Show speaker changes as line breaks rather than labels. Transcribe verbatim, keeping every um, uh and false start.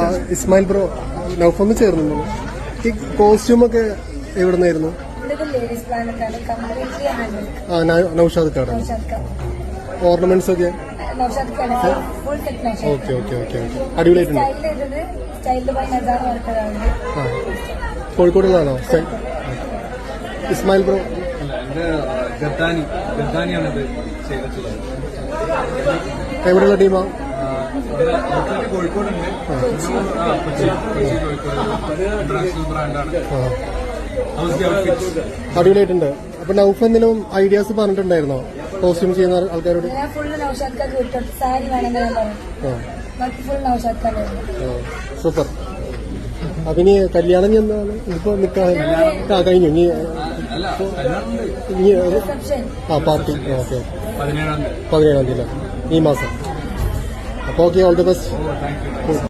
Ismail bro നൗഫൊന്ന് ചേർന്നു. ഈ കോസ്റ്റ്യൂമൊക്കെ എവിടെ നിന്നായിരുന്നു? ആ നൗഷാദ് കാട്. ഓർണമെന്റ്സ് ഒക്കെ ഓക്കെ ഓക്കെ ഓക്കെ ഓക്കെ അടിപൊളിയായിട്ടുണ്ട്. ആ കോഴിക്കോടുള്ളതാണോ ഇസ്മായിൽ ബ്രോ? എവിടെയുള്ള ടീമാ? അടിപൊളിയായിട്ടുണ്ട്. അപ്പൊ നൗഫ് എന്തെങ്കിലും ഐഡിയാസ് പറഞ്ഞിട്ടുണ്ടായിരുന്നോ കോസ്റ്റ്യൂം ചെയ്യുന്ന ആൾക്കാരോട്? സൂപ്പർ. അപ്പൊ ഇനി കല്യാണം ചെന്നാണ് ഇപ്പൊ നിൽക്കാൻ ആ കഴിഞ്ഞു. ഇനി ആ പാർട്ടി ഓക്കെ പതിനേഴാം തീയതി ഈ മാസം. അപ്പോൾ ഓക്കെ, ഓൾ ദി ബെസ്റ്റ്.